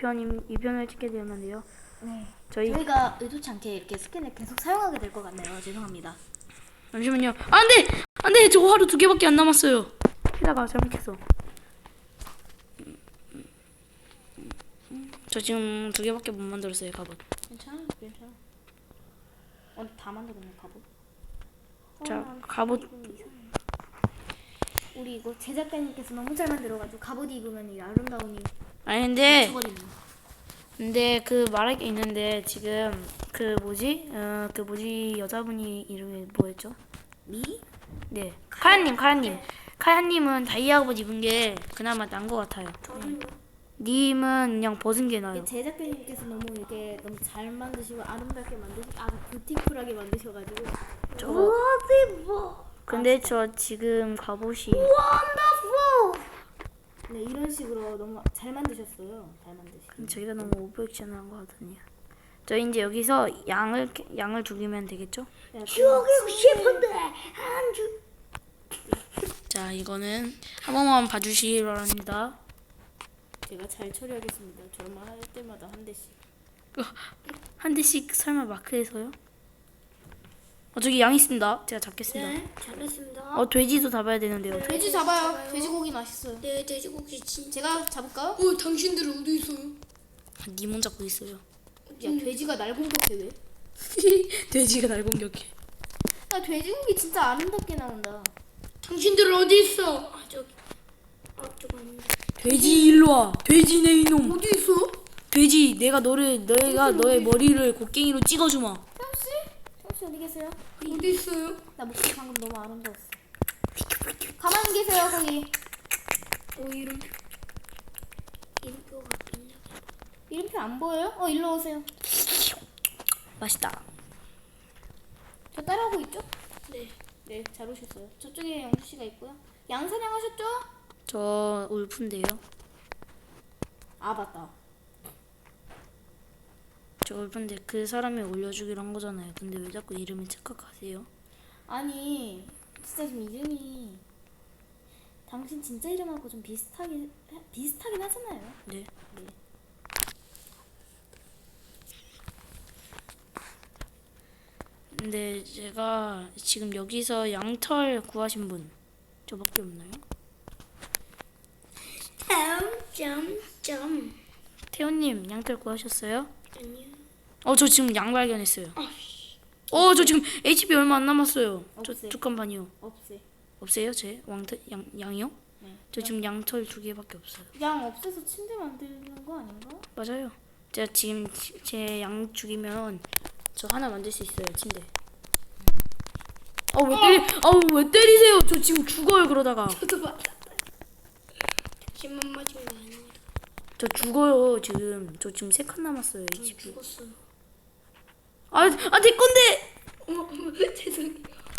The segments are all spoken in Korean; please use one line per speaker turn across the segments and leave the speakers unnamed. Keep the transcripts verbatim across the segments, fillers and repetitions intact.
태원님 이 편을 찍게 되었는데요.
네.
저희
저희가 의도치 않게 이렇게 스캔을 계속 사용하게 될 것 같네요. 죄송합니다.
잠시만요. 안돼, 안돼. 저 화로 두 개밖에 안 남았어요. 해다가 잘못했어. 저 지금 두 개밖에 못 만들었어요. 갑옷.
괜찮아, 괜찮아. 어, 다 만들었네 갑옷.
자,
어,
갑옷.
우리 이거 제작가님께서 너무 잘 만들어가지고 갑옷 입으면 이 아름다움이
아니 근데
미쳐버리네.
근데 그 말할 게 있는데 지금 그 뭐지? 어, 그 뭐지 여자분이 이름이 뭐였죠?
미?
네, 카야님, 카야님. 카야님은 다이아 갑옷 입은 게 그나마 나은 것 같아요. 님은 그냥 벗은 게 나아요.
제작가님께서 너무 이렇게 너무 잘 만드시고 아름답게 만드시고 아 뷰티풀하게 만드셔가지고
저
Wonderful.
근데 저 지금 갑옷이
Wonderful. 네 이런 식으로 너무 잘 만드셨어요. 잘 만드시고.
저희가 너무 오버액션한 것 같으네요. 저 이제 여기서 양을 양을 죽이면 되겠죠?
죽이고 싶은데 안 죽.
자, 이거는 한 번만 봐주시기 바랍니다.
제가 잘 처리하겠습니다. 저만 할 때마다 한 대씩.
한 대씩 설마 마크해서요? 어, 저기 양 있습니다. 제가 잡겠습니다.
네, 잘했습니다.
어, 돼지도 잡아야 되는데요. 돼-
돼지 잡아요. 돼지고기 맛있어요.
네, 돼지고기 진짜.
제가 잡을까요?
어, 당신들 어디 있어요?
님은 잡고 있어요.
야 돼지가 날 공격해 왜?
돼지가 날 공격해.
야 돼지고기 진짜 아름답게 나온다.
당신들 어디 있어? 아, 저기. 아, 저거 아닌데.
돼지 일로 와. 돼지 내 이놈.
어디 있어?
돼지 내가 너를 너희가 너의 머리를 곡괭이로 찍어주마.
태훈씨? 태훈씨 어디 계세요?
어디 있어요?
나 목소리 방금 너무 아름다웠어. 가만히 계세요 거기.
어, 이름. 이름표가 있냐?
이름표 안 보여요? 어 일로 오세요.
맛있다.
저 따라오고 있죠?
네.
네 잘 오셨어요. 저쪽에 영주 씨가 있고요. 양 사냥하셨죠?
저 울프인데요.
아 맞다.
저 울프인데 그 사람이 올려주기로 한 거잖아요. 근데 왜 자꾸 이름을 착각하세요?
아니 진짜 좀 이름이 당신 진짜 이름하고 좀 비슷하긴 비슷하긴 하잖아요.
네.
네.
근데 제가 지금 여기서 양털 구하신 분 저밖에 없나요?
다음 점점.
태호님 양털 구하셨어요?
아니요.
어, 저 지금 양 발견했어요. 어, 저 지금 에이치피 얼마 안 남았어요. 저
없어요.
두 칸반이요.
없애.
없어요, 제 왕털 양 양이요?
네.
저 지금 양털 두 개밖에 없어요.
양 없애서 침대 만드는 거 아닌가?
맞아요. 제가 지금 제 양 죽이면 저 하나 만들 수 있어요, 침대. 아왜 때리? 아우 왜 때리세요? 저 지금 죽어요 그러다가.
저도 맞았다. 당신만 맞은 거 아니야?
저 죽어요 지금. 저 지금 세 칸 남았어요
전
에이치피.
죽었어요.
아, 아 내 건데.
어머, 어머, 죄송해요.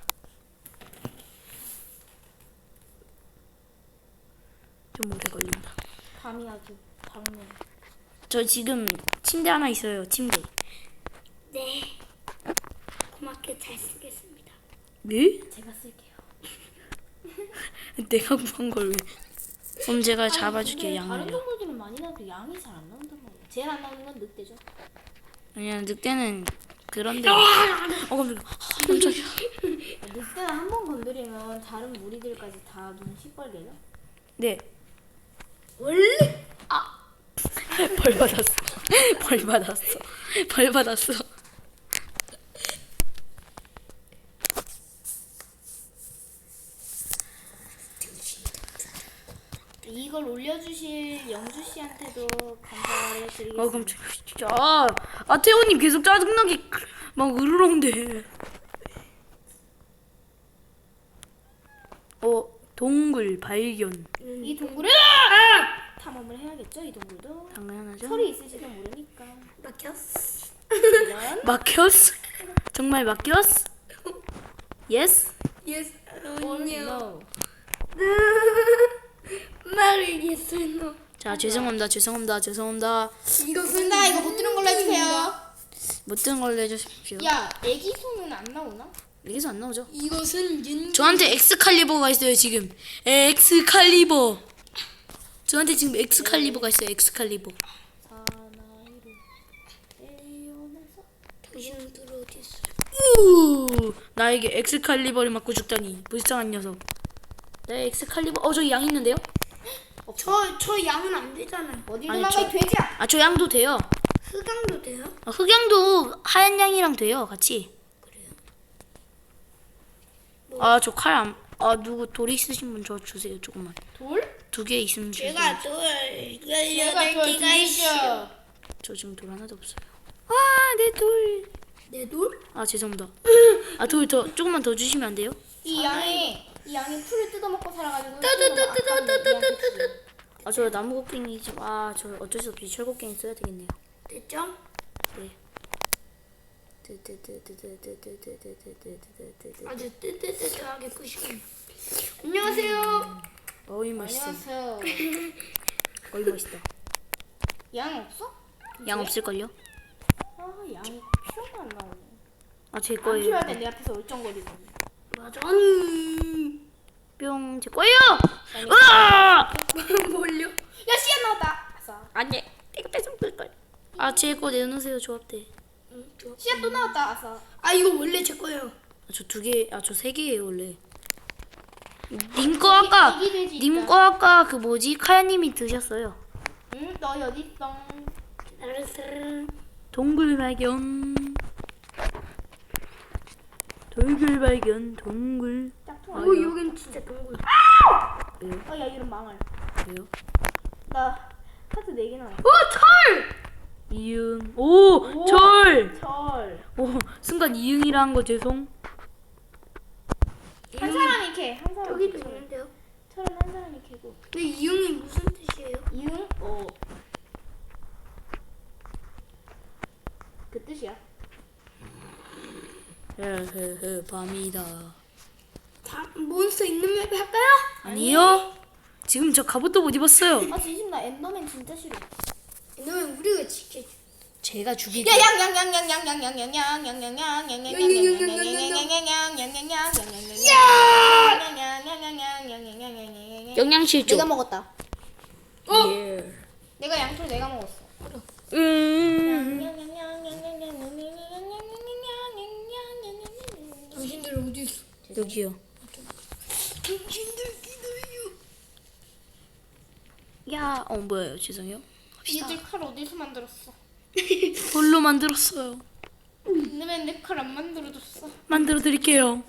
좀 오래 걸린다.
밤이 아주 밝네.
저 지금 침대 하나 있어요. 침대.
네. 고맙게 잘 쓰겠습니다.
네?
제가 쓸게요.
내가 구한 걸 왜? 그럼 제가 잡아줄게요
근데 다른
양을요.
동물들은 많이 나도 양이 잘 안 나온단 말이야. 제일 안 나오는 건 늑대죠.
아니야 늑대는 그런데. 어 깜짝이야. 아, 깜짝이야.
늑대는 한 번 건드리면 다른 무리들까지 다 눈 시뻘개요.
네.
원래
벌 받았어. 벌 받았어. 벌 받았어.
이걸 올려주실 영주 씨한테도 감사를 드리겠습니다.
어 깜짝이야. 진짜. 아 태호님 계속 짜증나게 막 으르렁대. 어 동굴 발견.
이 동굴을 탐험을 해야겠죠? 이 동굴도
당연하죠.
철이 있을지도 모르니까.
막혔어.
이런
막혔어? 정말 막혔어? 예스?
예스.
or
아니요.
no.
말을 예스 노.
자 죄송합니다. 죄송합니다. 죄송합니다.
이것은
나 이거 못 들은 걸로 해주세요.
못 든 걸로 해주십시오.
야, 애기 손은 안 나오나?
여기서 안 나오죠?
이것은 윤.
저한테 엑스칼리버가 있어요 지금. 엑스칼리버. 저한테 지금 엑스칼리버가 있어요. 엑스칼리버.
자,
당신들 어디 있어?
우 나에게 엑스칼리버를 맞고 죽다니 불쌍한 녀석. 내 엑스칼리버 어 저기 양 있는데요?
저, 저 양은 안 되잖아요.
어디
아니,
도망가
저-
이 돼지야.
아 저 양도 돼요.
흑양도 돼요?
어, 흑양도 하얀 양이랑 돼요 같이.
그래요?
아 저 칼 안. 아 누구 돌 있으신 분 저 주세요 조금만.
돌?
두 개 있으면 주세요.
제가 돌
제가
열여덟
돌
개가 있어.
드리죠.
저 지금 돌 하나도 없어요. 아내 돌.
내 돌?
아 죄송합니다. 아 돌 더 조금만 더 주시면 안 돼요?
이 양이 이 양이 풀을 뜯어먹고 살아가지고.
따따따따따따따따.
아 저 나무 곡괭이 좀. 아 저 어쩔 수 없이 철곡괭이 써야 되겠네요.
됐죠?
네.
아주 뜨뜨뜨뜨하게 끄시군요. 안녕하세요.
어이 맛있어.
안녕하세요.
어이 맛있다.
양 없어?
양 없을걸요?
아 양이 필요가 안 나오네.
아 제
안
거예요.
필요할 때 내 앞에서 얼쩡거리고.
맞아. 음.
뿅 제 거예요. 으아!
뭘요?
야 씨앗 나왔다. 아싸.
안돼. 내가 뺏은 걸. 아제 거 내놓으세요 조합대.
응, 좋아.
씨앗 또 나왔다. 아싸.
아 이거 원래 제 거예요.
저 두 개. 아 저 세 개예요 원래. 님 거 아까
애기 돼지
님
있다.
거 아까 그 뭐지 카야님이 드셨어요.
응? 너 어디 있어?
알았어.
동굴 발견. 동굴 발견. 동굴.
짝퉁.
어 여긴 진짜 동굴.
왜요?
어야 이런 망할.
왜요?
나 카드 네 개 나왔어.
오 철!
이응. 오, 철.
철.
오 순간 이응이라 한 거 죄송.
한 사람이 캐. 한 사람이
여기도
캐.
있는데요.
철은 한 사람이 캐고.
근데 이응이 무슨 뜻이에요?
이응? 어. 그 뜻이야.
헤헤헤 밤이다.
다 몬스터 있는 맵 할까요?
아니요. 지금 저 갑옷도 못 입었어요.
아 진심 나 엔더맨 진짜 싫어.
너는 우리가 지켜줘.
제가 죽이고. 영양실조.
내가 먹었다.
어?
예.
내가 양털 내가 먹었어.
음.
당신들 어디 있어?
여기요.
당신들 기다려.
야, 어 뭐예요? 죄송해요.
얘들 칼 어디서 만들었어?
돌로 만들었어요.
엔더맨 내 칼 안 만들어줬어.
만들어 드릴게요.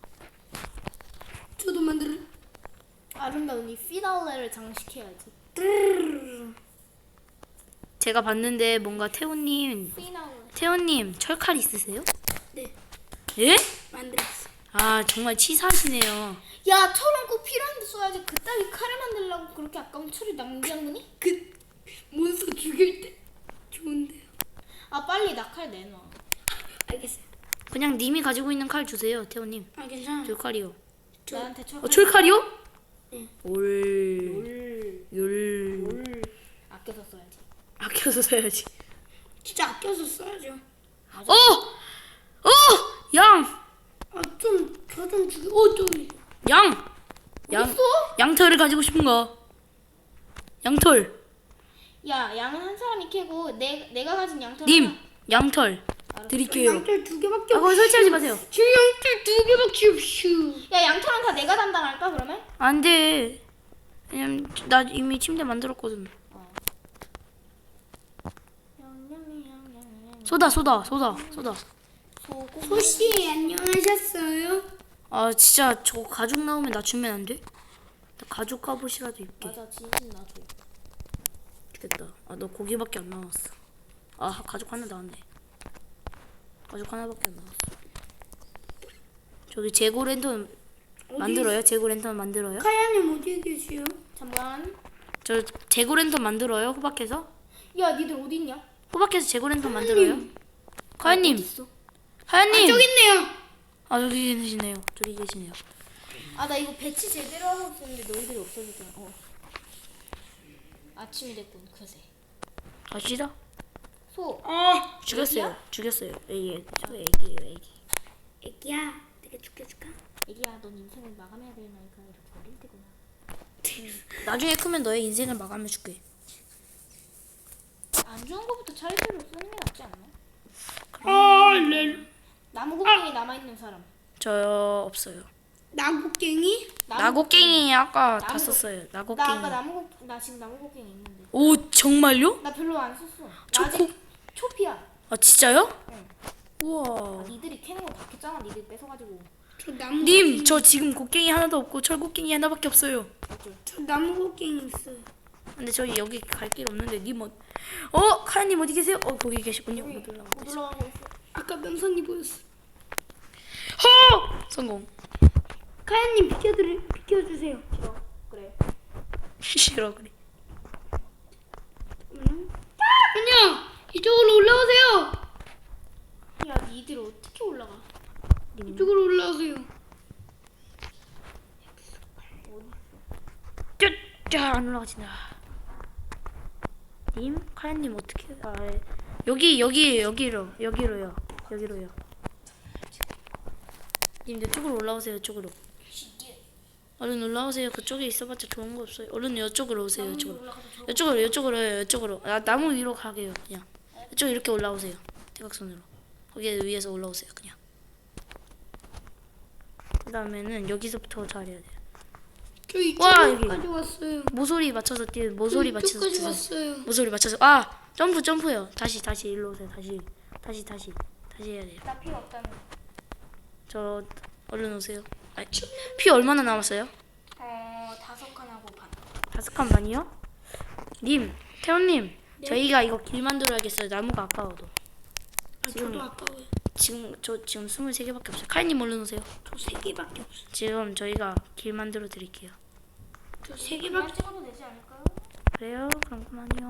저도 만들어.
아름다운 이 피날레를 장식해야지.
제가 봤는데 뭔가 태호님,
피날레.
태호님 철칼 있으세요?
네,
예?
만들었어.
아 정말 치사하시네요.
야 철은 꼭 필요한데 써야지. 그따위 칼을 만들려고 그렇게 아까운 철을 낭비한 거니?
그 몬스터 죽일 때 좋은데요.
아 빨리 나 칼 내놔.
알겠어요.
그냥 님이 가지고 있는 칼 주세요, 태호님.
아 괜찮아.
철칼이요.
나한테 철.
어 철칼이요?
네.
올,
올.
율.
올. 아껴서 써야지.
아껴서 써야지.
진짜 아껴서 써야죠.
어, 어, 양,
아좀저좀 죽여. 어좀
양, 양,
어딨어?
양털을 가지고 싶은가? 양털.
야 양은 한 사람이 캐고 내 내가 가진 양털.
님, 양털 드릴게요.
양털 두 개밖에
아,
없어.
거기 설치하지 마세요.
저 양털 두 개밖에 없슈.
야 양털은 다 내가 담당할까 그러면?
안 돼. 왜냐면 나 이미 침대 만들었거든. 쏘다, 쏘다, 쏘다, 쏘다.
소고.
소씨 안녕하셨어요?
아, 진짜 저거 가죽 나오면 나 주면 안 돼? 나 가죽 갑옷이라도 입게.
맞아 진심 나도.
좋겠다. 아, 너 고기밖에 안 나왔어. 아, 가죽 하나 나왔네. 가죽 하나밖에 안 나왔어. 저기 재고 랜턴 만들어요? 재고 랜턴 만들어요?
카야님 어디에 계시요?
잠깐.
저 재고 랜턴 만들어요? 호박해서?
야 니들 어디 있냐?
호박해서 재고 랜턴 만들어요? 하연님!
어딨어?
하연님!
저기 있네요.
아, 저기 계시네요. 저기 계시네요.
아 나 이거 배치 제대로 하고 있었는데 너희들이 없어지잖아. 어. 아침이 됐군 그새.
가시다.
소.
아
죽였어요. 죽였어요. 애기, 저 애기예요, 애기.
애기야, 내가 죽여줄까?
애기야 넌 인생을 마감해야 될 나이가 이렇게 어릴 때구나.
나중에 크면 너의 인생을 마감해줄게.
안 좋은 거부터 차례대로 쓰는 게 낫지 않나?
아 렐.
나무 곡괭이 남아 있는 사람.
저 없어요.
나국갱이?
나곡갱이 아까 다
나무-
썼어요.
나
나곡갱이.
아까 나무 곡, 나 지금 나무 곡괭이 있는데.
오 정말요?
나 별로 안 썼어.
저
나 아직
곡-
초피야.
아 진짜요?
응.
우와.
니들이 캐는 거 다 캤잖아. 니들 뺏어가지고.
저 나무.
님, 저 지금 곡괭이 하나도 없고 철곡괭이 하나밖에 없어요.
저 나무 곡갱이 있어요.
근데 저희 여기 갈 길 없는데 님 어? 어, 카야님 어디 계세요? 어, 거기 계시군요. 못 올라가고
못
계세요.
올라가고 있어.
아까 명선이 보였어.
허! 성공.
카야님 비켜드리 비켜주세요.
싫어. 그래.
싫어 그래.
음. 그냥 이쪽으로 올라오세요.
야, 니들 어떻게 올라가?
이쪽으로 올라오세요.
쫙쫙안 올라가진다. 님, 카야님 어떻게? 아, 예. 여기 여기 여기로 여기로요. 여기로요. 님 이쪽으로 올라오세요. 이쪽으로. 얼른 올라오세요. 그쪽에 있어봤자 좋은 거 없어요. 얼른 이쪽으로 오세요. 이쪽으로. 이쪽으로 이쪽으로 이쪽으로. 아, 나무 위로 가게요. 그냥. 이쪽 이렇게 올라오세요. 대각선으로. 거기 위에서 올라오세요. 그냥. 그 다음에는 여기서부터 잘해야 돼요.
저
와,
이쪽까지
여기.
왔어요.
모서리 맞춰서 뛰어. 모서리
저
맞춰서
이쪽까지
뛰세요.
왔어요.
모서리 맞춰서. 아 점프 점프요. 다시 다시 일로 오세요. 다시 다시 다시 다시 해야 돼요.
나 필요 없다며.
저 얼른 오세요. 아, 피 얼마나 남았어요?
어, 다섯 칸하고 반.
다섯 칸 반이요? 님, 태훈님, 저희가 이거 길 만들어야겠어요. 나무가 아까워도.
아, 저도 아까워요.
지금 저 지금 스물세 개밖에 없어요. 카이님 얼른 오세요.
저 세 개밖에 없어요.
지금 저희가 길 만들어 드릴게요.
저 세
그만
개밖에.
찍어도 되지 않을까요?
그래요? 그럼 그만요.